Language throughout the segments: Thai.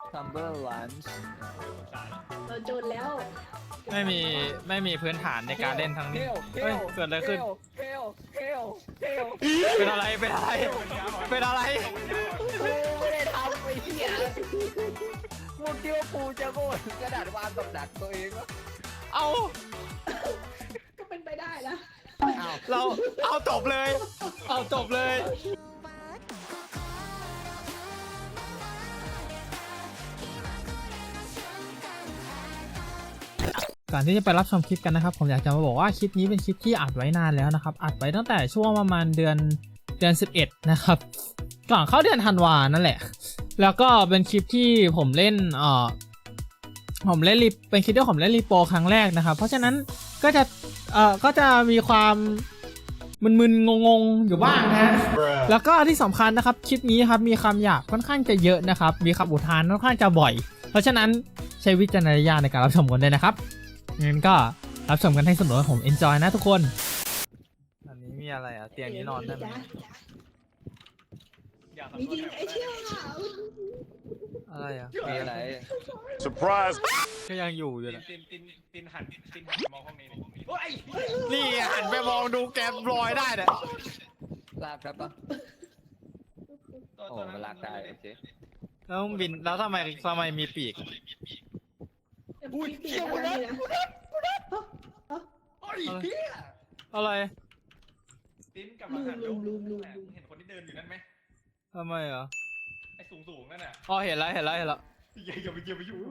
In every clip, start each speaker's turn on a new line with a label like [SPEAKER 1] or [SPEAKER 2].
[SPEAKER 1] ทัมเบอร์ลันช์
[SPEAKER 2] เราจนแล้ว
[SPEAKER 3] ไม่มีพื้นฐานในการเล่นทั้งนี้เฮ้ยเกิดอะไรขึ้น
[SPEAKER 1] เฮล
[SPEAKER 3] เป็นอะไรเป็นอะไรเป็นอะไร
[SPEAKER 1] กูไม่ได้ทำไอ้เหี้ยมึงคิดว่ากูจะโง่ถึงขนาดวางกับดักตัวเองวะ
[SPEAKER 3] เอา
[SPEAKER 2] ก็เป็นไปได้นะ
[SPEAKER 1] อ้าว
[SPEAKER 3] เราเอาจบเลยเอาจบเลย ก่อนที่จะไปรับชมคลิปกันนะครับผมอยากจะมาบอกว่าคลิปนี้เป็นคลิปที่อัดไว้นานแล้วนะครับอัดไว้ตั้งแต่ช่วงประมาณเดือน11นะครับก่อนเข้าเดือนธันวานั่นแหละแล้วก็เป็นคลิปที่ผมเล่นเป็นคลิปที่ผมเล่นรีโปรครั้งแรกนะครับเพราะฉะนั้นก็จะมีความมึนๆงงๆอยู่บ้างนะฮะแล้วก็ที่สำคัญนะครับคลิปนี้ครับมีคำหยาบค่อนข้างจะเยอะนะครับมีคำอุทานค่อนข้างจะบ่อยเพราะฉะนั้นใช้วิจารณญาณในการรับชมกันด้วยนะครับงั้นก็รับชมกันให้สนุกผม enjoy นะทุกคนอันนี้มีอะไรอ่ะเตียงนี้นอนได้ไหม
[SPEAKER 2] มีจริงไอ้เชี่ยวอ่ะ
[SPEAKER 3] อะไรอ่ะ
[SPEAKER 1] มีอะไร
[SPEAKER 4] Surprise!
[SPEAKER 3] ก็ยังอยู่อยู่นะ
[SPEAKER 5] ตินหันมองห้องนี้โอ้ย
[SPEAKER 3] นี่หันไปมองดูแกมลอยได้เนี่ย
[SPEAKER 1] ลากครับปะโอ้มันลากได้โอเค
[SPEAKER 3] แล้วบินแล้วทำไมมีปีก
[SPEAKER 2] อุ้ยเชี่ยวนะ
[SPEAKER 5] โอ้ยเฮีย
[SPEAKER 3] อะไร
[SPEAKER 5] ตินกลับมาหันดูเห็นคนที่เดินอยู่นั่นไหม
[SPEAKER 3] ทำไมอ่ะ
[SPEAKER 5] ไอ้สูงนั่นน่ะ
[SPEAKER 3] อ๋อเห็นแล้ว
[SPEAKER 5] อย่าไปยุ่ง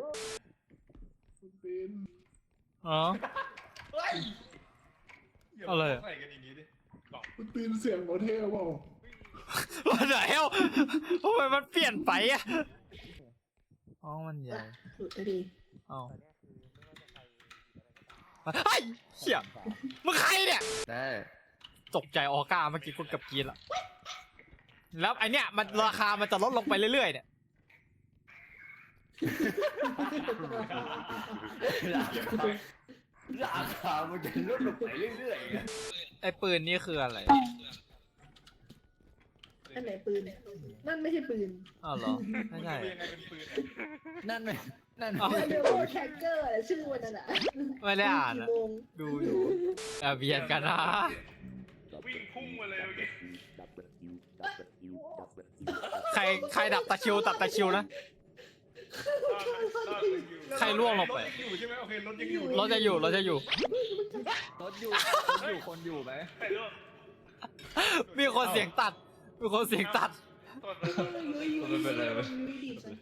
[SPEAKER 3] อ๋อ
[SPEAKER 5] เฮ้ย
[SPEAKER 3] อะไร
[SPEAKER 5] ใส่กันอย่างนี้ดิ
[SPEAKER 6] คุณตีนเสียงโมเทลเปล่า
[SPEAKER 3] วันไหนเอ้าทำไมมันเปลี่ยนไปอ่ะอ๋อมันใหญ่
[SPEAKER 2] หลุดดี
[SPEAKER 3] อ๋อไอ้เหี้ยมึงใครเนี่ย
[SPEAKER 1] ได้
[SPEAKER 3] ตกใจออก้าเมื่อกี้คุณกับกีนละแล้วไอเนี้ยมันราคามันจะลดลงไปเรื่อยๆเนี่ย
[SPEAKER 1] ราคามันจะลดลงไปเรื่อยๆ
[SPEAKER 3] ไอปืนนี่คืออะไร
[SPEAKER 2] อันไหนปืนนั่นไม่ใช่ปืน
[SPEAKER 3] อ้าวเหรอไม่ใช่
[SPEAKER 5] ยังไงเป็นปืน
[SPEAKER 1] นั่นไหมนั่น
[SPEAKER 2] เรียกว่าแท็กเกอร์ชื่อมันน่ะ
[SPEAKER 3] ไม่ได้อ่าน
[SPEAKER 2] กี่
[SPEAKER 3] อะ
[SPEAKER 2] โมง
[SPEAKER 3] ดูอยู่เบียดกันนะ
[SPEAKER 5] วิ่งพุ่งมาเลยเมื่อกี้
[SPEAKER 3] ใครดับตะคริวตัดตะคริวนะ ใครล่วงลงไป
[SPEAKER 5] รถยังอยู่ใช่ไหมโอเครถยังอยู่
[SPEAKER 3] เราจะอยู่
[SPEAKER 1] รถอยู่คนอยู่ไหม
[SPEAKER 5] ใครล่วง
[SPEAKER 3] มีคนเสียงตัด มีคนเสียงตัด
[SPEAKER 2] ไม่เป็นไรเลยดีจัง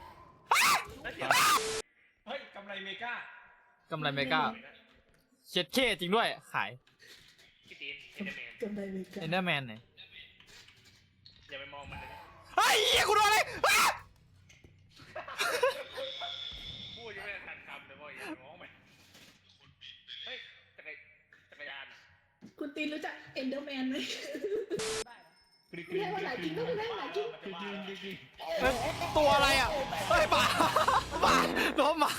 [SPEAKER 5] เฮ้ยกำไรเมกาก
[SPEAKER 3] ำไรเมกาเช็ดเคจริงด้วย ขาย
[SPEAKER 5] พี่ตีนเอเดเมน
[SPEAKER 2] จำได้ไหมกั
[SPEAKER 3] เอน นเดอร์แมนไหน
[SPEAKER 5] อย่าไปมองมันเลย
[SPEAKER 3] เฮ้ยเหี้ยกูโดนอะไรอ้า
[SPEAKER 5] พูดยังไม่ทันคำเลยว่าอย่ามองมันเฮ้ยจักรยาน
[SPEAKER 2] คุณตีนรู้จักเอนเดอร์แมนไหมไม่ใช่ว่าหลายจริงก็ไม่ได้หลายจริง
[SPEAKER 3] เอ้ยตัวอะไรอ่ะเฮ้ยป่าโดนหมา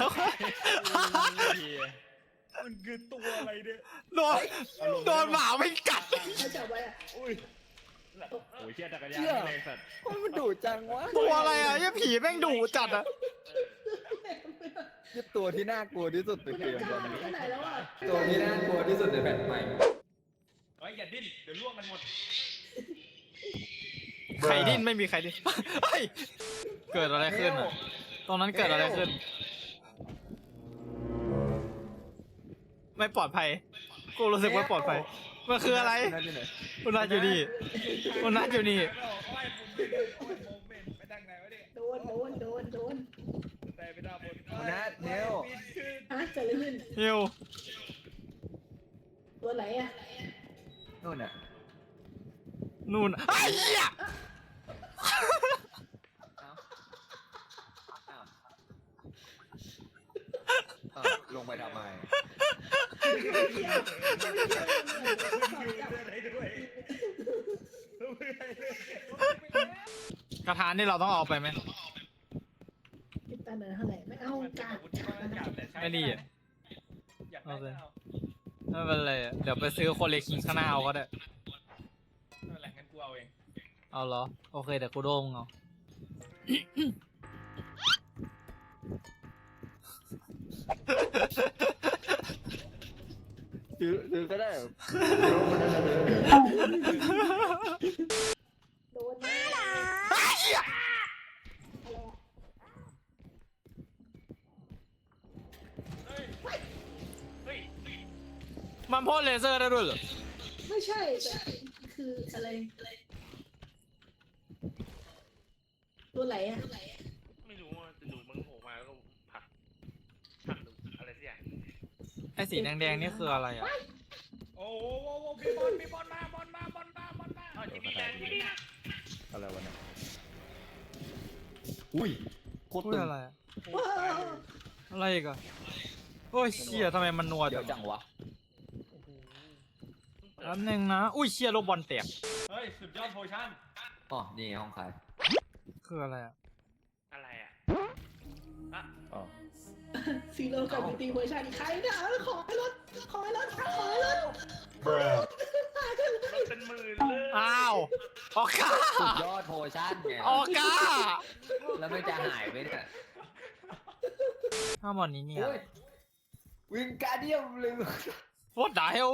[SPEAKER 5] มันคือตัวอะไรเนี่ย
[SPEAKER 3] โดนหมาไม่กัด
[SPEAKER 2] เขาจับไว้อะ
[SPEAKER 5] โอ้ยเชี่ยจักรยาน
[SPEAKER 1] เชื่อ
[SPEAKER 5] เลยสัตว์
[SPEAKER 1] มันดุจังวะ
[SPEAKER 3] ตัวอะไรอ่ะยี่ผีแม่งดุจัดอ่ะ
[SPEAKER 1] นี่ตัวที่น่ากลัวที่สุดใน
[SPEAKER 2] คุณ
[SPEAKER 1] เกม
[SPEAKER 2] ก
[SPEAKER 1] ตอ
[SPEAKER 2] ล้าน
[SPEAKER 1] นี้
[SPEAKER 2] แค่ไหนแล้วอ่ะ
[SPEAKER 1] ตัวที่น่ากลัวที่สุดในแผ่นใหม่
[SPEAKER 5] เฮ้ยอย่าดิ้นเดี๋ยวล่วงกันหมด
[SPEAKER 3] ใครดิ้นไม่มีใครดิ้นเฮ้ยเกิดอะไรขึ้นอ่ะตรงนั้นเกิดอะไรขึ้น ไม่ปลอดภัยกูรู้สึกว่าปลอดภัยมันคืออะไร
[SPEAKER 1] นั่นอยู่ไหน
[SPEAKER 3] คุณนัทอยู่นี่คุณนัทอยู่นี่
[SPEAKER 5] ไปทางไหนวะเนี่ย
[SPEAKER 2] โดน
[SPEAKER 5] แต่ไปด้านบน
[SPEAKER 1] นัดเนว
[SPEAKER 2] ฮะเกิดอะไรขึ้น
[SPEAKER 3] ฮิว
[SPEAKER 2] ตัวไหนอ่ะ
[SPEAKER 1] นู่นน่ะ
[SPEAKER 3] นู่นไอ้เหี้ย
[SPEAKER 1] ลงไปทำไม
[SPEAKER 3] กระทานนี่เราต้องเอาไปไหม
[SPEAKER 2] คิดตาเนินเท่าไหร่ไม่เอากาด
[SPEAKER 3] ไม่ดีอ่ะ
[SPEAKER 5] อยากได้เอา
[SPEAKER 3] ไม่เป็นไรอะเดี๋ยวไปซื้อโคเลคิงข้างหน้าเอาก็ได้
[SPEAKER 5] ไม่เป็นไรงั้นกูเอาเอง
[SPEAKER 3] เอาเหรอ โอเคเดี๋ยวกูโดงเอา
[SPEAKER 1] ซื้อก็ได้
[SPEAKER 2] โดนแน่อะไรอะ
[SPEAKER 5] เฮ้ย
[SPEAKER 3] มันพ่นเลเซอร์ได้ด้วยเหรอ
[SPEAKER 2] ไม่ใช่แต่คืออะไรตัวไหนอะ
[SPEAKER 5] ไม่รู้ว่าจะดูมึงโผล่มาแล้วก็ผลักหรืออะไรสักอย่าง
[SPEAKER 3] ไอ้สีแดงๆนี่คืออะไรอ่ะ
[SPEAKER 5] โอ้โหมีบอลมาเอาจิบี้แดงจิบี้
[SPEAKER 1] อะไรวะเนี่ยอุ้ยโคตร
[SPEAKER 3] พูด
[SPEAKER 1] ตึง
[SPEAKER 3] อะไรอะ
[SPEAKER 2] ว้าว
[SPEAKER 3] อะไรอีกอะโอ้ยเชี่ยทำไมมันนัว
[SPEAKER 1] เดี๋ยวจังวะ
[SPEAKER 3] แป๊บนึงนะ อุ้ยเชี่ยลูกบอลแตก
[SPEAKER 5] เฮ้ยสุดยอดโพชั่น
[SPEAKER 1] อ๋อนี่ห้องขาย
[SPEAKER 3] คืออะไรอะ
[SPEAKER 5] อะไรอ่ะ
[SPEAKER 1] อ๋อ
[SPEAKER 2] ซีโร่กับบิวตี้เวอร์ชันใครเนี่ยขอให้รถขอให้รถขอให้รถ
[SPEAKER 5] รถเป็นหมื่นเลย
[SPEAKER 3] อ้าวออก้า
[SPEAKER 1] สุดยอดโพชั่นไง
[SPEAKER 3] ออก้า
[SPEAKER 1] แล้วไม่จะหายไปเนี่ย
[SPEAKER 3] ถ้าบอลนี้เนี่ย
[SPEAKER 1] โอ้ยวิงการเดียมเลย
[SPEAKER 3] What the hell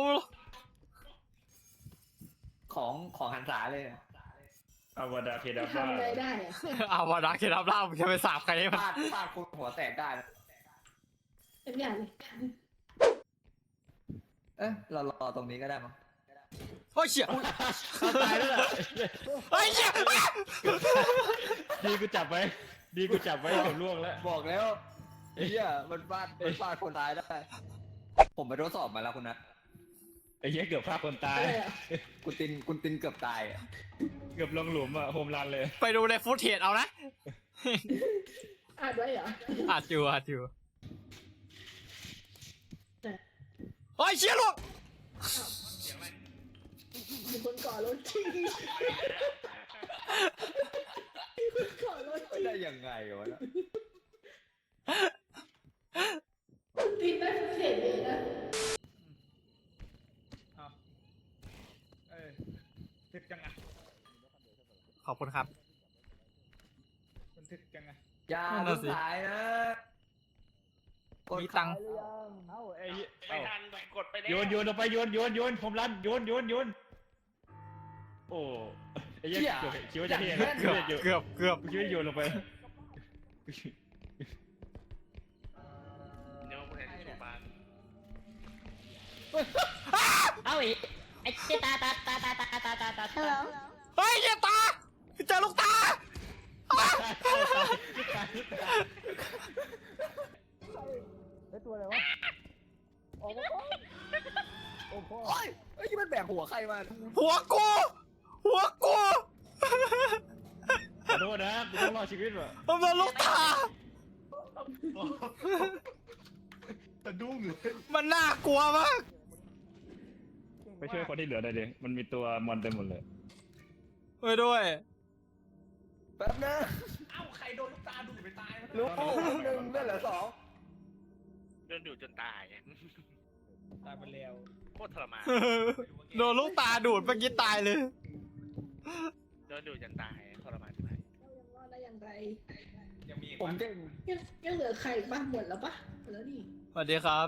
[SPEAKER 1] ของหันษาเลย
[SPEAKER 5] อาวดาเคดา
[SPEAKER 2] ทำอะไรได้อะ
[SPEAKER 3] อาวาดาเคดับล่ามึงจะไปสาบใครให้มัน
[SPEAKER 1] ฟาดคนหัวแตกได้นะ
[SPEAKER 2] เป็นอย่างเลย
[SPEAKER 1] เอ๊ะเรารอตรงนี้ก็ได้มั้ง
[SPEAKER 3] โอ้ยเชี่ย
[SPEAKER 5] ตายแล้ว
[SPEAKER 3] เฮ้ยเชี่ย
[SPEAKER 5] ดีกูจับไว้เกือบล่วงแล้ว
[SPEAKER 1] บอกแล้วเฮียมันฟาดคนตายได้ ผมไปทดสอบมาแล้วคุณนัท
[SPEAKER 5] ไอ้เหี้ยเกือบฆ่าคนตาย
[SPEAKER 2] อะไรอะ
[SPEAKER 1] คุณตินเกือบตายอ่ะ
[SPEAKER 5] เกือบลงหลุมอ่ะโฮมรันเลย
[SPEAKER 3] ไปดูในฟุตเทจเอานะ
[SPEAKER 2] อ่านไว้เหรอ
[SPEAKER 3] อัดอยู่
[SPEAKER 2] แต่
[SPEAKER 3] โอ้ยเชี่ยลูก
[SPEAKER 2] มีคนก่อรถจริงมีคนก่อรถจ
[SPEAKER 1] ไม่
[SPEAKER 2] ริง
[SPEAKER 1] ได้ยังไงวะเนี่ย
[SPEAKER 2] ตีนได้เห็นเลยนะ
[SPEAKER 5] ทึกจังอ่ะ
[SPEAKER 3] ขอบคุณครับ
[SPEAKER 5] มันทึกจังอ่ะ
[SPEAKER 1] อย่า
[SPEAKER 3] นั่น
[SPEAKER 1] ลุ
[SPEAKER 3] น่ะ
[SPEAKER 1] ก
[SPEAKER 3] สิ
[SPEAKER 1] สายนะ
[SPEAKER 3] มีตังค์
[SPEAKER 1] กดขายหรือยัง
[SPEAKER 5] เอ้าไอ้ไม่ทันกดไปแล้วโยนลงไปโยนโฮมรันโยนโอ้ไอ้เหี้ยคิดว่าจะเท่นะ
[SPEAKER 3] เกือบ
[SPEAKER 5] คิดว่าโยนลงไปเดี๋ยวคุณแอนโชว์บ้าน
[SPEAKER 4] เอาอีกไอ้เจ้าตา
[SPEAKER 3] เฮ้ยเชี่ยตาเจอลูกตา
[SPEAKER 1] โอ้ยไอ้ที่มันแบกหัวใครมา
[SPEAKER 3] หัวกู
[SPEAKER 5] ขอโทษนะกูต้องรอดชีวิตว่ะ
[SPEAKER 3] มันโดนลูกตา
[SPEAKER 6] สะดุ้งเลย
[SPEAKER 3] มันน่ากลัวมาก
[SPEAKER 5] ไปช่วยคนที่เหลือได้ดิมันมีตัวมอนเต็มหมดเลย
[SPEAKER 3] ไปด้วย
[SPEAKER 1] แป๊บนะ
[SPEAKER 5] เอ้าใครโดนลูกตาดูดไปตาย
[SPEAKER 1] ลูกหนึ่งเลือดเหลือสอง
[SPEAKER 5] โดนดูดจนตายตายไปแล้วโคตรทรมาน
[SPEAKER 3] โดนลูกตาดูดเมื่อกี้ตายเลย
[SPEAKER 5] โดนดูดจนตายทรมานที่ไหน
[SPEAKER 2] เรายังรอดได้อย่างไร
[SPEAKER 5] ยังมี
[SPEAKER 1] ผมเก่ง
[SPEAKER 2] ยังเหลือใครอีกบ้างหมดแล้วปะหมดแล้วนี่
[SPEAKER 3] สวัสดีครับ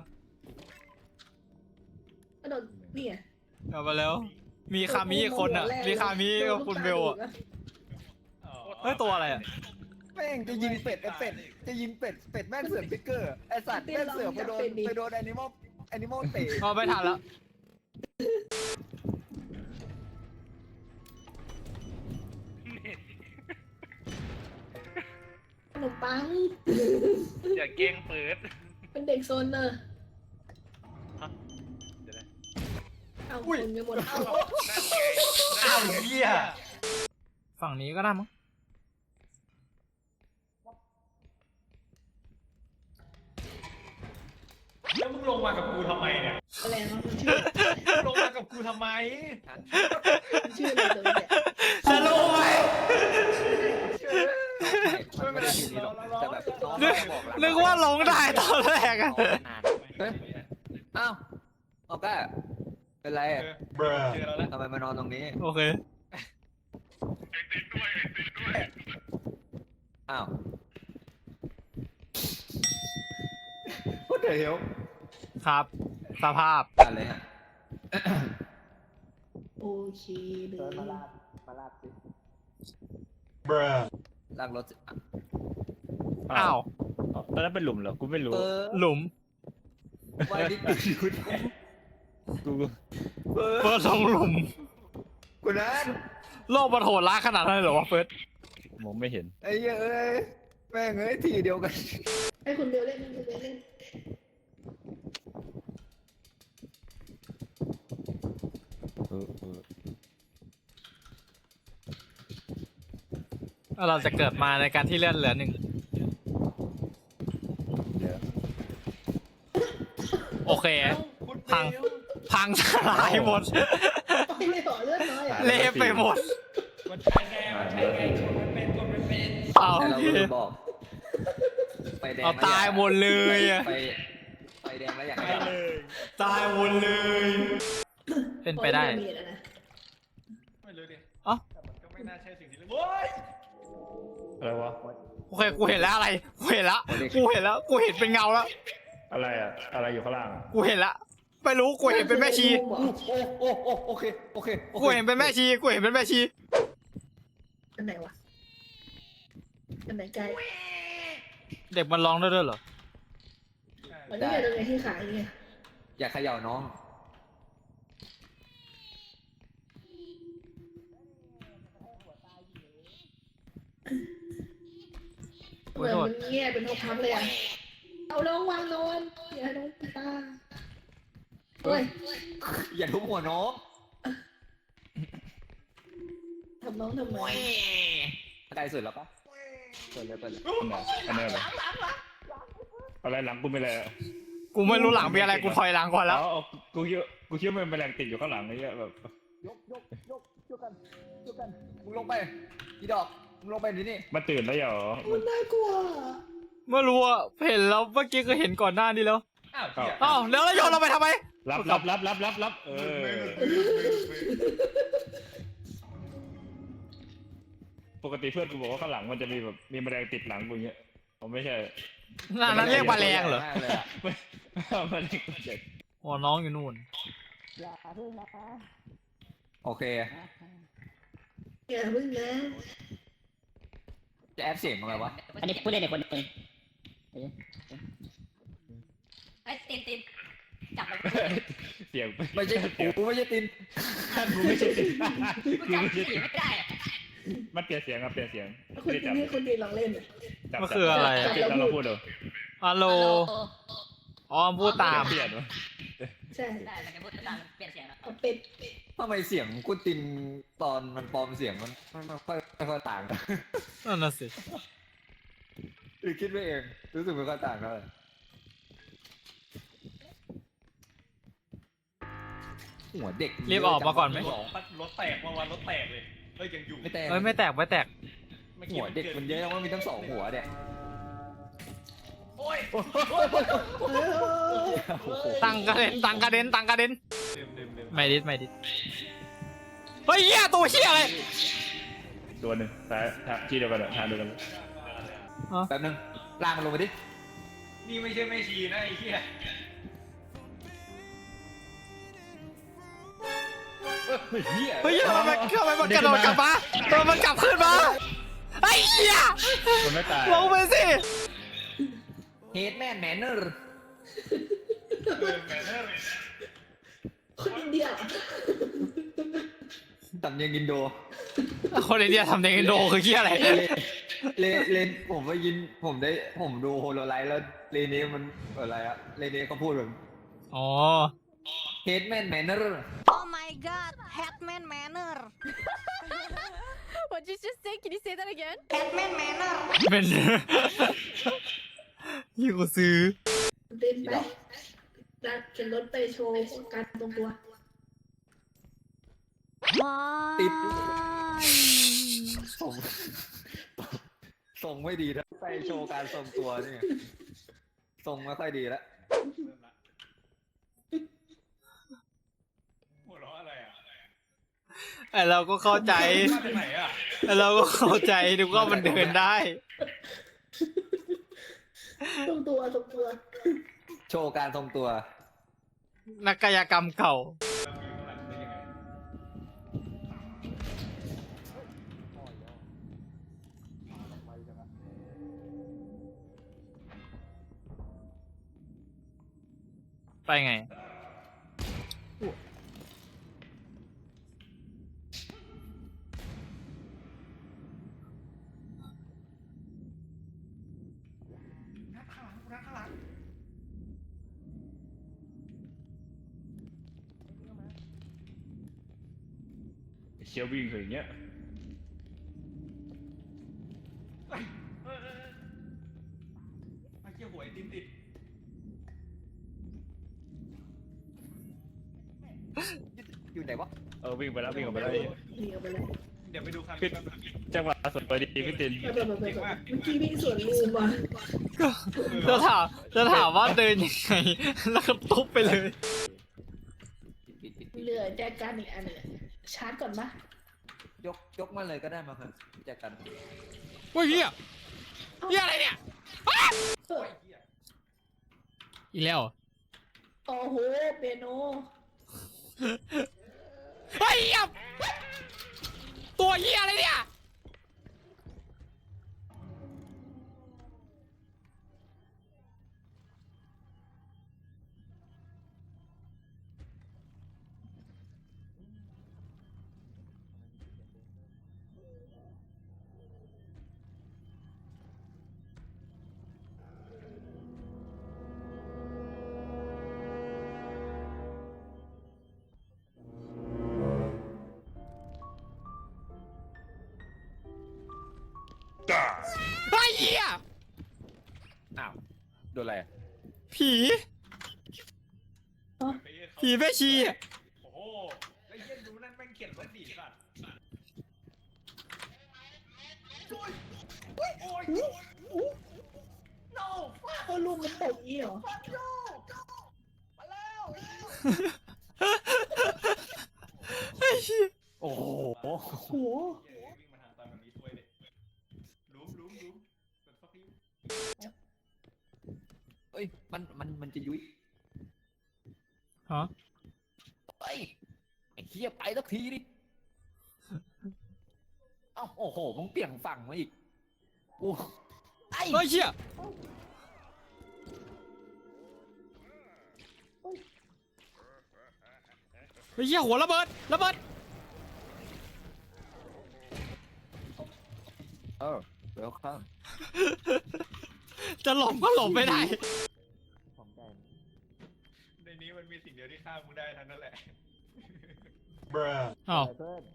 [SPEAKER 2] กระโดดนี่ไง
[SPEAKER 3] กลับมาแล้ว มีคามิอีกคนอ่ะ มีคามิกับคุณเบลอ่ะ เฮ้ยตัวอะไรอ่ะ
[SPEAKER 1] แม่งจะยิงเป็ดจะยิงเป็ดแม่งเสือกพิกเกอร์ไอสัตว์แม่งเสือกไปโดนแอนิมอลเตะ
[SPEAKER 3] เอาไม่ทันแล้ว
[SPEAKER 2] ขนมปัง
[SPEAKER 5] อย่าเก้งเปิด
[SPEAKER 2] เป็นเด็กโซนเนอร์
[SPEAKER 5] เดี๋ยวนะ
[SPEAKER 2] เอาคนไปหมดเอา
[SPEAKER 3] อ้าวเหี้ย ฝั่งนี้ก็ได้มั้ง
[SPEAKER 5] แล้วมึงลงมากับกูทำไมเนี่ย
[SPEAKER 2] อะไรนะมันชื่อ
[SPEAKER 5] ลงมากับกูทำไม
[SPEAKER 2] มันชื่ออะไรตัวเนี่ย
[SPEAKER 3] จะรู้ไหม
[SPEAKER 1] ไม่เป็นไรแต่แบบน้อง
[SPEAKER 3] นึกว่าลงได้ตอนแรกอะ
[SPEAKER 1] เฮ้ยอ้าวออกก็เป็นไร
[SPEAKER 5] เจอเราแล้ว
[SPEAKER 1] ทำไมมานอนตรงนี้
[SPEAKER 3] โอเค
[SPEAKER 1] อ้าว What the เดี๋ยว
[SPEAKER 3] ครับ สภาพ
[SPEAKER 1] อะไรฮะ
[SPEAKER 2] โอเคเลย
[SPEAKER 1] มาลาดสิ
[SPEAKER 6] Bruh
[SPEAKER 1] ลากรถสิ
[SPEAKER 3] อ้าว
[SPEAKER 5] ตอนนั้นเป็นหลุมเหรอกูไม่รู้
[SPEAKER 3] หลุม
[SPEAKER 1] ไว้ดิติดอยู่
[SPEAKER 5] กู
[SPEAKER 1] เฟิร์
[SPEAKER 3] เฟิร์สลงหลุม
[SPEAKER 1] คุณนัท
[SPEAKER 3] โลกมันโหดร้ายขนาดนั้นเลยเหรอวะเฟิร์ส
[SPEAKER 5] มองไม่เห็น
[SPEAKER 1] ไอ้เหี้ยเอ้ยแม่งเอ้ยทีเดียวกัน
[SPEAKER 2] ให้คุณเบลเล่นให้คุณเบลเล่น
[SPEAKER 3] เราจะเกิดมาในการที่เลื่อนเหลือ1
[SPEAKER 5] เดี๋ยว
[SPEAKER 3] โอเค พังสลายหมด
[SPEAKER 2] ไม่ได้ต่อเลือดน้อยอ่ะ
[SPEAKER 3] เละไปหมด
[SPEAKER 5] มันใช่ไงกดไม่เป็น
[SPEAKER 3] เอา
[SPEAKER 1] แต่
[SPEAKER 3] โอ
[SPEAKER 1] เรา
[SPEAKER 3] เค
[SPEAKER 1] ก็บอกไฟแดง
[SPEAKER 3] เอาตายหมดเลยอะ
[SPEAKER 1] ไฟแดงแล้วอยาก
[SPEAKER 5] ไป
[SPEAKER 1] ให้
[SPEAKER 5] เลย
[SPEAKER 3] ตายหมดเลย เป็นไปได้
[SPEAKER 2] มีแล้วนะ
[SPEAKER 5] ไม่รู้ดิ
[SPEAKER 3] อ๋อ
[SPEAKER 5] แต่มันก็ไม่น่าใช่สิ่งที่เรียกโว้ยอะไรวะ
[SPEAKER 3] โอเค กูเห็นแล้วอะไร กูเห็นแล้ว กูเห็นแล้ว กูเห็นเป็นเงาแล้ว
[SPEAKER 5] อะไรอะอะไรอยู่ข้างล่างอะ
[SPEAKER 3] กูเห็นแล้ว ไม่รู้ กูเห็นเป็นแม่ชี
[SPEAKER 1] โอเคโอเค
[SPEAKER 3] กูเห็นเป็นแม่ชี กูเห็นเป็นแม่ชี
[SPEAKER 2] อันไหนวะอันไหนไกล
[SPEAKER 3] เด็กมันร้องได้ด้วยเหรอ
[SPEAKER 2] มันนี่ไงตรงไหนที่ขายไง
[SPEAKER 1] อย่าเขย่าน้อง
[SPEAKER 2] เหมือนมันเงี้ยเป็นทองคำเลยอ่ะเอาน้องวางนอนอย่าให้น้องตาเฮ้ย
[SPEAKER 1] อย่าทุบหัวน้อง
[SPEAKER 2] ทำน้องทำไม
[SPEAKER 1] ใกล้สุดแล้วปะเปิดเลยเปิดเลย
[SPEAKER 5] อันไหนเหรออะไรหลังกูไม่เลย
[SPEAKER 3] กูไม่รู้หลังเป็นอะไร กูถอยหลังก่อนแล้ว
[SPEAKER 5] อ๋อกูคิดว่ามันเป็นแรงติดอยู่ข้างหลังไอ้เงี้ยแบบ
[SPEAKER 1] ยกกันมึงลงไปอีดอกมึงลงไปที่นี่
[SPEAKER 5] มาตื่นแล้วเหรอ
[SPEAKER 2] มันน่ากลัว
[SPEAKER 3] ไม่รู้อะเห็นแล้วเมื่อกี้ก็เห็นก่อนหน้านี้แล้ว
[SPEAKER 5] อ้าว
[SPEAKER 3] อ้าวแล้วโยนเราไปทำไม
[SPEAKER 5] รับปกติเพื่อนกูบอกว่าข้างหลังมันจะมีแบบมีแมลงติดหลังกูอย่างเงี้ยผมไม่ใช่
[SPEAKER 3] นั่นเรียกแมลงเหรอ
[SPEAKER 1] มากเลยอะ
[SPEAKER 5] แมลงตัวใหญ่
[SPEAKER 3] อ๋อน้องอยู่นู่น
[SPEAKER 1] โอเค
[SPEAKER 2] อย่าพึ่งนะ
[SPEAKER 1] จะแอดเสียงอะไรวะ
[SPEAKER 4] อันนี้ผู้เล่นอีกคนหนึ่งไอ้ตินจับมัน
[SPEAKER 5] เสียง
[SPEAKER 1] ไม่ใช่กูไม่ใช่ติน
[SPEAKER 5] กูไม่ใช่ติด
[SPEAKER 4] กูจับสีไม่ได้อะ
[SPEAKER 5] มันเปลี่ยนเสียงครับเปลี่ยนเสียง
[SPEAKER 2] คุณดีนี่คุณดีลองเล่น
[SPEAKER 5] จับ
[SPEAKER 3] มันคืออะไร
[SPEAKER 5] แล้วเราพูดดู
[SPEAKER 3] ฮัลโหล อ๋อพูดตาม
[SPEAKER 5] เปลี่ยนวะ
[SPEAKER 2] ใช่
[SPEAKER 4] ได้แต่แกพูดตามเปลี่ยนเสียงแล้ว
[SPEAKER 2] เอาเป็ด
[SPEAKER 1] ทำไมเสียงกูตินตอนมันปลอมเสียงมันไม่ค่อยต่างกัน
[SPEAKER 3] นั่นน่ะสิ
[SPEAKER 1] หรือคิดไปเองรู้สึกไม่ค่อยต่างเท่าไหร่หัวเด็ก
[SPEAKER 3] รีบออกมาก่อนไหม
[SPEAKER 5] รถแตกเมื่อวานรถแตกเลยเฮ้ยยังอยู่
[SPEAKER 1] ไม่แตก
[SPEAKER 3] เอ้ยไม่แตกไม่แตก
[SPEAKER 1] หัวเด็กมันเยอะแล้วว่ามีทั้งสองหัวเนี่ย
[SPEAKER 5] โอ้ย
[SPEAKER 3] ตังกระเด็น
[SPEAKER 5] ดื่ม
[SPEAKER 3] ไม่ดิเฮ้ยเหี้ยตัวเหี้ยอะไร
[SPEAKER 5] โดนหนึ่งซ้ายที่เดียวกันทางเดียวกัน
[SPEAKER 1] แป๊บนึงลากมันลงไปดิ
[SPEAKER 5] นี่ไม่ใช่แม่ชีนะไอ้เหี้ย
[SPEAKER 1] เฮีย
[SPEAKER 3] เฮ้ยทำไมมันกระโดดกลับมาทำไมมันกลับขึ้นมาไอ้เหี้ย
[SPEAKER 5] คนไม่ตาย
[SPEAKER 3] ลงไปสิ
[SPEAKER 1] เฮดแมนแมนเนอร์
[SPEAKER 2] คนอินเดีย
[SPEAKER 1] สำเนียงอินโด
[SPEAKER 3] คนอินเดียทำเด็กอินโดคือเหี้ยอะไร
[SPEAKER 1] เลนผมไปยินผมดูโฮโลไลท์แล้วเลนนี้มันอะไรอะเลนนี้เขาพูดแบบ
[SPEAKER 3] อ๋อ
[SPEAKER 1] เฮดแมนแมนเนอร์
[SPEAKER 7] Oh my god, Hatman Manor. What did you just say? Can you say that again? Hatman Manor.
[SPEAKER 3] เป็น ยี่กูซื้อ
[SPEAKER 2] เดินไปดันขึ้นรถไปโชว์การตรงตัว
[SPEAKER 1] ติดส่งไม่ดีนะไปโชว์การทรงตัวนี่ทรงไม่ค่อยดีแล้ว
[SPEAKER 5] หัวเราะอะไรอ่ะ
[SPEAKER 3] ไอเราก็เข้าใจ
[SPEAKER 5] มาจากไหนอ่ะ
[SPEAKER 3] ไอเราก็เข้าใจดูว่ามันเดินได้
[SPEAKER 2] ตรงตัว
[SPEAKER 1] โชว์การทรงตัว
[SPEAKER 3] นักกายกรรมเก่า ไปไง
[SPEAKER 5] เชียววิ่งอย่างเงี้ย
[SPEAKER 6] มาเกี่ยวหวยติดติด
[SPEAKER 1] อยู่ไหนวะ
[SPEAKER 5] วิ่งไปแล้ววิ่งออกไปแล้ว
[SPEAKER 2] หนีออกไปเลย
[SPEAKER 6] เดี๋ยวไปดูคัน
[SPEAKER 5] พี่จังหวะสดไปดีพี่ติน
[SPEAKER 2] เมื่อกี้วิ่งสวนลูมว่ะ
[SPEAKER 3] จะถามว่าเดินยังไง แล้วก็ตุ๊บไปเลย
[SPEAKER 2] เหลือแจกันอีกอันหนึงชาร์จก่อนปะ
[SPEAKER 1] ยกมาเลยก็ได้มาครับแจกัน
[SPEAKER 3] โอ้ยเฮียเฮียอะไรเนี่ย
[SPEAKER 2] เออ
[SPEAKER 3] อีกแล้วเหรอ
[SPEAKER 2] โอ้โหเปียโน
[SPEAKER 3] เฮ้ยเหี้ยตัวเฮียอะไรเนี่ย ไอ้เหี้ย
[SPEAKER 1] อ้าวโดนอะไรอะ
[SPEAKER 3] ผี ผีแม่ชีอะ
[SPEAKER 6] โอ้โหไอ้เหี้ยดูนั่นแม่งเขียนว่าดีสัตว์
[SPEAKER 2] เขาลูมมันตกอีเหรอ
[SPEAKER 3] ไอ้เหี้ย
[SPEAKER 1] โอ้โห
[SPEAKER 2] โอ้โห
[SPEAKER 6] วิ่งมาทางตอนแบบนี้ช่วยเลยลุ้มเป็นฟักยู
[SPEAKER 1] เอ้ยมันจะยุ้ย
[SPEAKER 3] ฮะ
[SPEAKER 1] เอ้ยไอ้เหี้ยไปสักทีดิเอ้าโอ้โหมึงเปลี่ยนฝั่งมาอีกโอ้ไอ้
[SPEAKER 3] เฮ้ยเหี้ยเฮ้ยเหี้ยหัวระเบิด
[SPEAKER 1] เวลคัม
[SPEAKER 3] จะหลบก็หลบไม่ได้
[SPEAKER 1] ของใจ
[SPEAKER 6] ในนี้มันมีสิ่งเดียวที่ฆ่ามึงได้ทั้งนั้นแหละ bruh
[SPEAKER 3] อ้าว
[SPEAKER 1] เพื่อน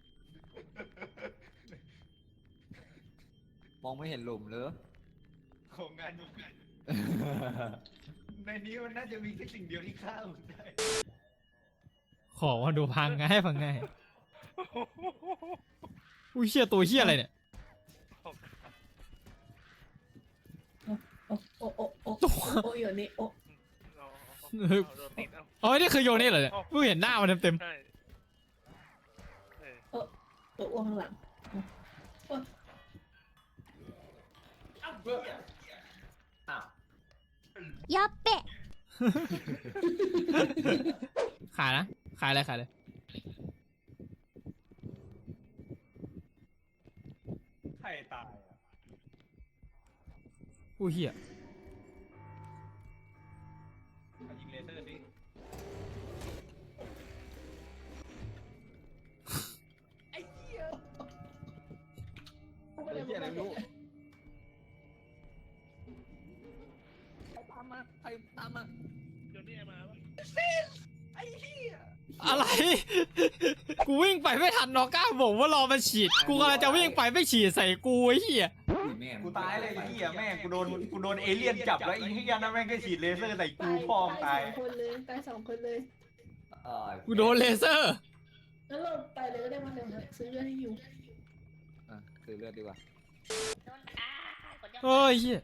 [SPEAKER 1] มองไม่เห็นหลุมเลย
[SPEAKER 6] ของงานอยู่กันในนี้มันน่าจะมีแค่สิ่งเดียวที่ฆ่ามึงได้
[SPEAKER 3] ขอมาดูพังง่ายพังง่ายอุ้ยเหี้ยตัวเหี้ยอะไรเนี่ย
[SPEAKER 2] โอ้โอ้โอ้
[SPEAKER 3] ตัว
[SPEAKER 2] โอ้อยู่นี่โอ้
[SPEAKER 3] อ๋อนี่คือโยนี่เหรอเนี่ยเพิ่งเห็นหน้ามันเต็ม
[SPEAKER 2] ตัวอ้วงข้างหลัง
[SPEAKER 1] อ้าว
[SPEAKER 7] やっべ
[SPEAKER 3] ๆขายนะขายเลย
[SPEAKER 6] ใครตายอ่ะ
[SPEAKER 3] อุ้ยเหี้ย
[SPEAKER 6] เอายิงเลเซอร์สิ
[SPEAKER 1] ไอ้เหี้ยอะไรไม่รู้ใครตามมา
[SPEAKER 3] อะไร กูวิ่งไปไม่ทันนอก้าบอกว่ารอมันฉีด กูกำลังจะวิ่งไปไม่ฉีดใส่กูไอ้เหี้ย
[SPEAKER 6] กูตายเลยไอ้เหี้ยแม่งกูโดนเอเลี่ยนจับแล้วไอ้เหี้ยนั่นแม่งก็ฉีดเลเซอร์ใส่กูพ่อมตาย
[SPEAKER 2] สองคนเลยตายสองคนเลย
[SPEAKER 3] กูโดนเลเซอร์
[SPEAKER 2] แล้วเราตายเลยก็ได้มาเดี๋ยวซื้อเรื่องให้อยู่
[SPEAKER 1] ซื้อเลือดดีกว่า
[SPEAKER 4] โดนตาคนเดียว
[SPEAKER 3] เฮ้ยเหี้ย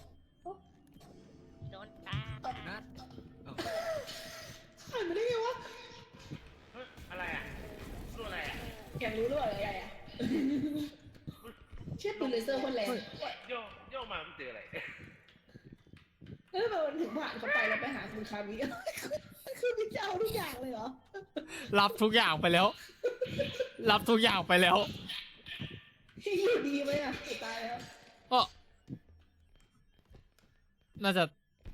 [SPEAKER 4] โดนตา
[SPEAKER 1] นัด
[SPEAKER 2] ผ่านมาได้ไงวะ
[SPEAKER 5] อะไรอ่ะรู้อะไรอ่ะ
[SPEAKER 2] อยากรู้ด้วยอะไรอ่ะเชื่อปืนเลเซอร์คนแรง
[SPEAKER 5] โยกมาไม่เจออะไร
[SPEAKER 2] แล้วทำไมมันถึงผ่านเข้าไปแล้วไปหาคุณคามิคือพี่จะเอาทุกอย่างเลยเหรอ
[SPEAKER 3] รับทุกอย่างไปแล้ว รับทุกอย่างไปแล้ว
[SPEAKER 2] ที่อยู่ดีไหมอ่ะตายแล้ว
[SPEAKER 3] ก็น่าจะ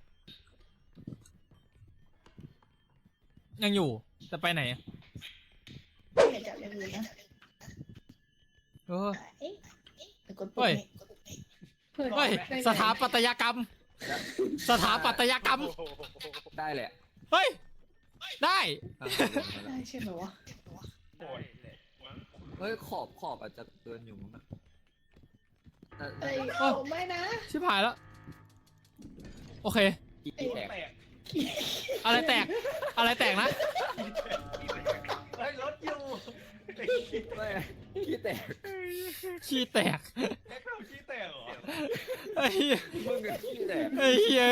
[SPEAKER 3] ยังอยู่จะไปไหนอะ
[SPEAKER 2] ไม่อยากจับอย่างอื่นนะ
[SPEAKER 3] เออ
[SPEAKER 2] เอ๊ะไปกด
[SPEAKER 3] เฮ้ย
[SPEAKER 2] เฮ้ย
[SPEAKER 3] เฮ้ย สถาปัตยกรรม สถาปัตยกรรม
[SPEAKER 1] ได้แหละ
[SPEAKER 3] เฮ้ย ได้
[SPEAKER 2] ได้ใช่ไหมวะ
[SPEAKER 5] โอ้ยเลยมั้ง
[SPEAKER 1] เฮ้ยขอบอาจจะเกินอยู่มั้งแต่
[SPEAKER 2] เอ้ยเอาไม่นะ
[SPEAKER 3] ชิบหายแล้ว โอเค
[SPEAKER 1] กี่แตก
[SPEAKER 5] แตก
[SPEAKER 3] อะไรแตก อะไรแตกนะ
[SPEAKER 6] เฮ้ยรถอยู่
[SPEAKER 1] ไม่ขี้แตก
[SPEAKER 3] ขี้แตก
[SPEAKER 6] แค่เราขี้แตกเหรอ
[SPEAKER 3] ไอ้เหี้ย
[SPEAKER 1] มึงกับขี้แตก
[SPEAKER 3] ไอ้เหี้ย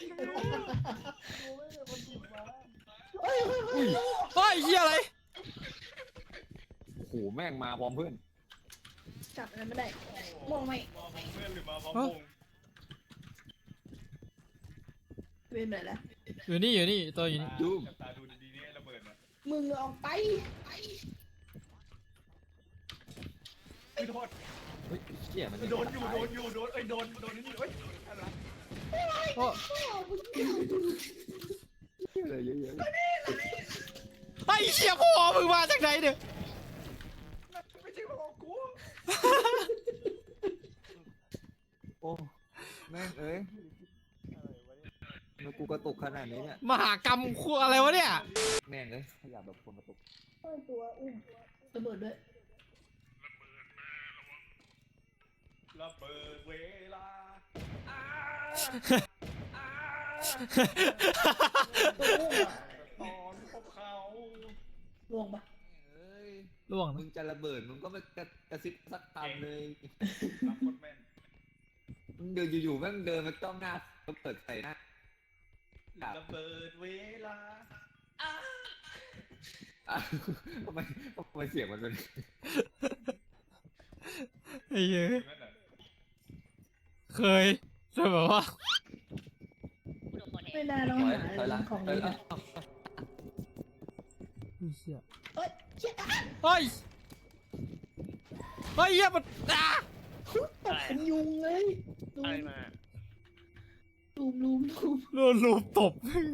[SPEAKER 2] เฮ้ยเฮ้ยเฮ้ย
[SPEAKER 3] เฮ้ยเหี้ยอะไร
[SPEAKER 1] โอ้โหแม่งมาพร้อมเพื่อน
[SPEAKER 2] จับอะไรไม่ได้มองไม่
[SPEAKER 6] มองเพื่อนหรือมาพร้อมวง
[SPEAKER 2] เว้นไหนละ
[SPEAKER 3] อยู่นี่อยู่นี่ตัวอยู่นี่
[SPEAKER 6] จับตาดูดีๆนี่ไอ้ระเบิดนะ
[SPEAKER 2] มึงออกไป
[SPEAKER 6] คือโทษ
[SPEAKER 1] เฮ้ยเชี่ยมัน
[SPEAKER 6] โดนอยู่โดนเอ้ยโดนนี่เอ้ยอะไร
[SPEAKER 3] โอ้
[SPEAKER 1] เชี่ยเลยเยอะ
[SPEAKER 3] ไอ้เชี่ยพ่อมึงมาจากไหนเนี่ย
[SPEAKER 6] ไม่ใช่ของกู
[SPEAKER 1] ๆโอ้แม่งเอ้ยแล้วกูกระตุกขนาดนี้เนี่ย
[SPEAKER 3] มหากรรมคู่อะไรวะเนี่ย
[SPEAKER 1] แม่งเอ้ยขยับแบบคนกระตุก
[SPEAKER 2] ตัวอุ้มระเบิดด้วย
[SPEAKER 6] ระเบิดเวลาตอนพบเขา
[SPEAKER 2] ล่วงปะ
[SPEAKER 1] เอ้ย
[SPEAKER 3] ล่วง
[SPEAKER 1] มึ
[SPEAKER 3] นะ
[SPEAKER 1] งจะระเบิดมึงก็ไม่กระซิบสักคำเลย
[SPEAKER 6] รับคนแม่น
[SPEAKER 1] มึงเดินอยู่ๆแม่งเดินมาจ้องหน้าแล้วเปิดใส่หน้า
[SPEAKER 6] ระเบิดเวลา
[SPEAKER 1] อ้าวทำไมเสียงมันเป็น
[SPEAKER 3] ไอ้เหี้ย
[SPEAKER 6] แม่นอะ
[SPEAKER 3] เคยแต่แบบว่า
[SPEAKER 4] กูโดนคนแท
[SPEAKER 2] ไม่
[SPEAKER 4] ง
[SPEAKER 2] น่าต้อง
[SPEAKER 1] ถอย
[SPEAKER 2] หา
[SPEAKER 1] ถอยหลัง
[SPEAKER 2] ของ
[SPEAKER 1] ถอย
[SPEAKER 2] นี้
[SPEAKER 1] หลั
[SPEAKER 2] นะ
[SPEAKER 1] ง
[SPEAKER 3] ไอ้เชี่ย
[SPEAKER 2] เฮ้ยเชี่ย
[SPEAKER 3] เฮ้ยเฮ้ยเหี้ยมันอ่ะ
[SPEAKER 2] ตบเป็นยุงเลยลุมลุม
[SPEAKER 3] โดนลูบตบ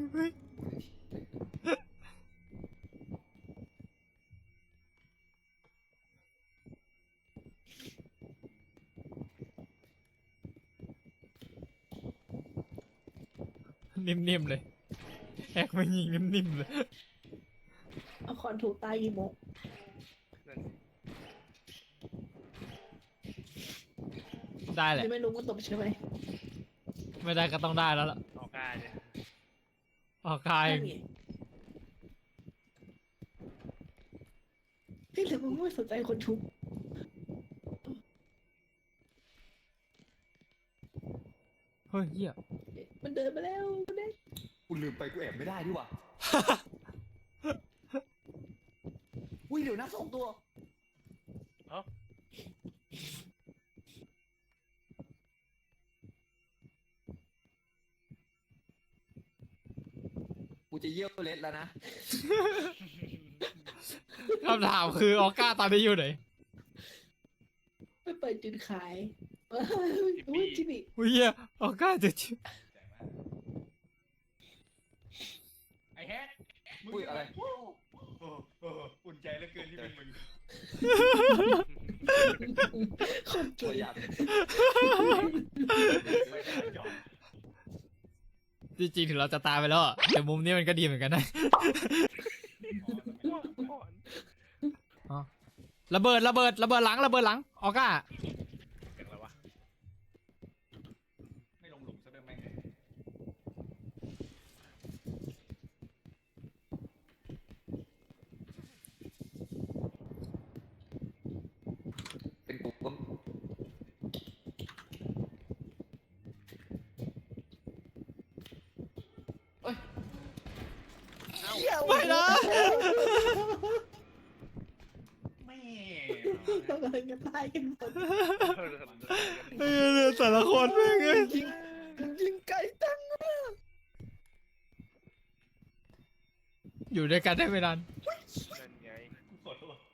[SPEAKER 3] นิ่มๆเลยแฮกไม่ยิงนิ่มๆเลย
[SPEAKER 2] เอาคอนถูกตายกี่โมง
[SPEAKER 3] ได้แหละ
[SPEAKER 2] ยังไม่รู้ว่าตบใช่ไหม
[SPEAKER 3] ไม่ได้ก็ต้องได้แล้วล่ะ
[SPEAKER 5] ออกกายเนี่ย
[SPEAKER 3] ออกกาย
[SPEAKER 2] นั่นไงพี่เหลือมึงไม่สนใจคนทุบ
[SPEAKER 3] เฮ้ยเหี้ย
[SPEAKER 2] มันเดินมาแล้วมันเดิน
[SPEAKER 1] กูลืมไปกูแอบไม่ได้ดิว่ะอุ้ยเดี๋ยวนะ2 ตัว กูจะเยี่ยวเล็ดแล้วนะ
[SPEAKER 3] คำถามคือออก้าตอนนี้อยู่ไหน
[SPEAKER 2] ไม่เปิดจุดขายอุ้ยจิบิ
[SPEAKER 3] อุ้ยเหี้ยออก้าจะชิบ
[SPEAKER 6] ไอ้แฮกมึง
[SPEAKER 1] อุ้ยอะไร
[SPEAKER 6] โอุ่นใจเหลือเกินที่เป็นมึง
[SPEAKER 2] โคตร
[SPEAKER 1] ตัว
[SPEAKER 2] เก่ง
[SPEAKER 1] ยับ
[SPEAKER 6] ไม่ได้หยอก
[SPEAKER 3] จริงๆถึงเราจะตายไปแล้วอะแต่มุมนี้มันก็ดีเหมือนกันนะอ๋อระเบิดหลังออก้า
[SPEAKER 5] เสียงอะไรวะ
[SPEAKER 6] ไม่ลงหลุมซะด้วยแม่ง
[SPEAKER 1] เป็นกูก็
[SPEAKER 3] ไม่นะ
[SPEAKER 6] แม่
[SPEAKER 2] เรากำลังจะตายกันหมด
[SPEAKER 3] ไอ้เหี้ยแต่ละคนแม่งเอ้ย
[SPEAKER 1] ยิงไกลจังอะ
[SPEAKER 3] อยู่ด้วยกันได้ไม่นาน
[SPEAKER 5] นั่นไง
[SPEAKER 6] ขอโทษ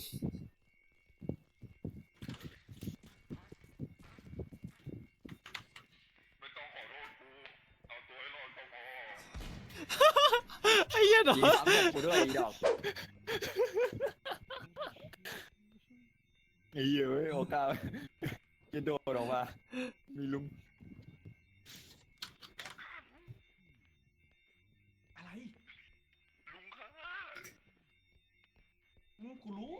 [SPEAKER 3] ไอ้เหี้ยเนาะ
[SPEAKER 1] ยิงซ้ำกับกูด้วยอีดอกไอ้เหี้ยเว้ยโอกาสจะโดดออกมามีลุง
[SPEAKER 6] อะไรลุงค่ะกูรู้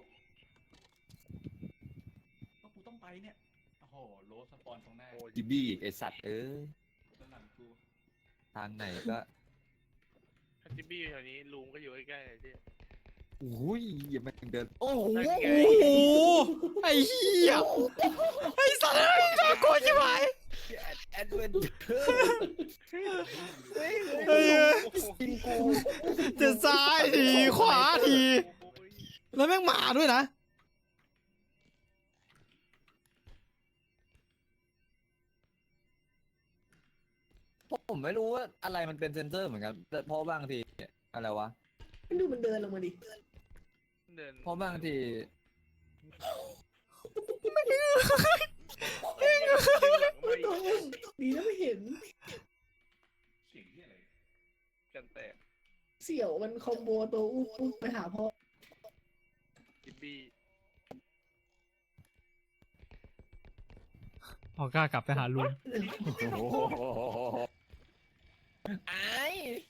[SPEAKER 6] ว่ากูต้องไปเนี่ยโอ้โหโลสปอนตรงหน้า
[SPEAKER 1] จิบี้ไอสัตว์
[SPEAKER 6] ด้านหลังกู
[SPEAKER 1] ทางไหนก็
[SPEAKER 5] ถ้าจิบบี้อยู่แถวนี้ลุงก็อยู่ใกล้ๆเลยที่
[SPEAKER 1] อุ้ยอย่ามาเดินโอ้โห
[SPEAKER 5] นั่นไง
[SPEAKER 3] โอ้โหไอ้เหี้ยไอ้สัตว์เอ้ยน่ากลัวใช่ไหม
[SPEAKER 1] แอดเวนเจอร์เฮ้ย
[SPEAKER 3] เฮ้ย
[SPEAKER 1] จริงกู
[SPEAKER 3] จะซ้ายทีขวาที แล้วแม่งมาด้วยนะ
[SPEAKER 1] ผมไม่รู้ว่าอะไรมันเป็นเซนเซอร์เหมือนกันแต่เพราะบางทีอะไรวะ
[SPEAKER 2] ดูมันเดินลงมาดิ
[SPEAKER 5] เดิน
[SPEAKER 1] เพราะบางที
[SPEAKER 2] ดีนะไม่เห็น
[SPEAKER 6] เสียงที่อะไร
[SPEAKER 5] กันแตก
[SPEAKER 2] เสี่ยวมันคอมโบตัวอุ้มไปหาพ่อ
[SPEAKER 5] จิบบี้
[SPEAKER 3] ออกล้ากลับไปหาลุง
[SPEAKER 1] ไอ้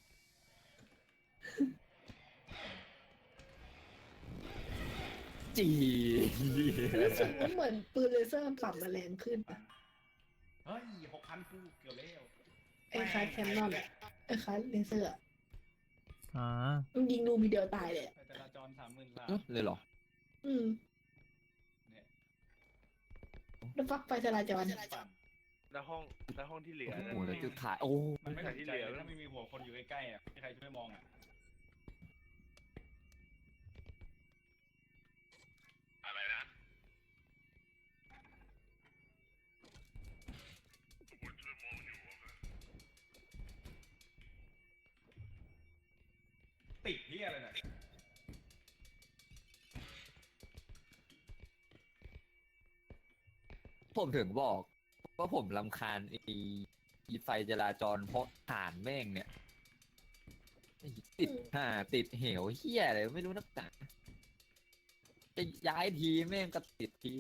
[SPEAKER 1] จี
[SPEAKER 2] รู้สึกว่าเหมือนปืนเลเซอร์มันปรับมาแรงขึ้นอะ
[SPEAKER 6] เฮ้ย6,000กูเกือบแล้ว
[SPEAKER 2] ไอ้คล้ายแคนนอนอะไอ้คล้ายเลเซอร์อะ
[SPEAKER 3] อ่า
[SPEAKER 2] มันยิงดูมีเดียวตายเลยอะ
[SPEAKER 6] ไปจราจร33,000
[SPEAKER 1] เลยเหรอ
[SPEAKER 2] อืม
[SPEAKER 6] เนี่ย
[SPEAKER 2] แล้วฟักไฟจราจร
[SPEAKER 6] ปั่น
[SPEAKER 5] แล้วห้องที่เหลือ
[SPEAKER 1] โอ้
[SPEAKER 5] นั่น
[SPEAKER 1] โหแล้วจุดขายโอ้
[SPEAKER 6] มันไม่สนใจเลยถ้าไม่มีหัวคนอยู่ใกล้ๆอ่ะไม่มีใครช่วยมองอ่ะอะไรนะติดที่อะไรเนี่ย
[SPEAKER 1] ผมถึงบอกว่าผมรำคาญไอ้ไฟจราจรเพราะฐานแม่งเนี่ยไอ้ติดติดเหวเฮียอะไรไม่รู้นักหนาจะย้ายทีแม่งก็ติดที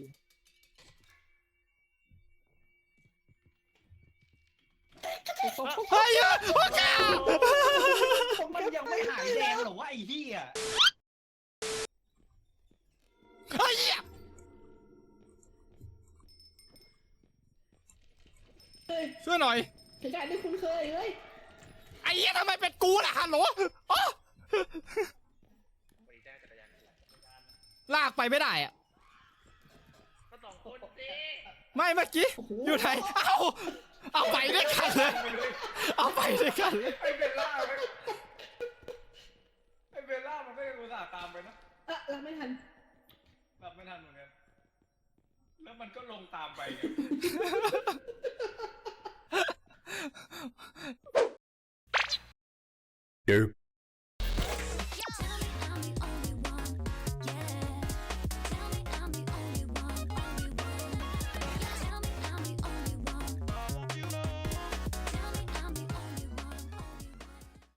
[SPEAKER 3] เฮ้ยโอ้กา
[SPEAKER 6] มันยังไม่หายแดงหรอวะไอ้เหี้ย
[SPEAKER 3] ไอ้เหี้ย
[SPEAKER 2] เฮ้ย
[SPEAKER 3] ช่วยหน่อย
[SPEAKER 2] เหตุการณ์ที่คุ้นเคยเลย
[SPEAKER 3] ไอ้เหี้ยทำไมเป็นกูล่ะฮัลโหลอ๋อ
[SPEAKER 5] ไปได้จักรยาน
[SPEAKER 3] ลากไปไม่ได้อะ
[SPEAKER 5] ก็สองคนสิ
[SPEAKER 3] ไม่เมื่อกี้
[SPEAKER 2] โอ้โห
[SPEAKER 3] อยู่ไหนเอาไปด้วยกันเลย เอาไปด้วยกันเลย
[SPEAKER 6] ไอ้เบลล่ามันไม่อุตส่าห์ตามไปนะ
[SPEAKER 2] รับไม่ทัน
[SPEAKER 6] รับไม่ทันเหมือนกันแล้วมันก็ลงตามไปไง
[SPEAKER 8] Derp.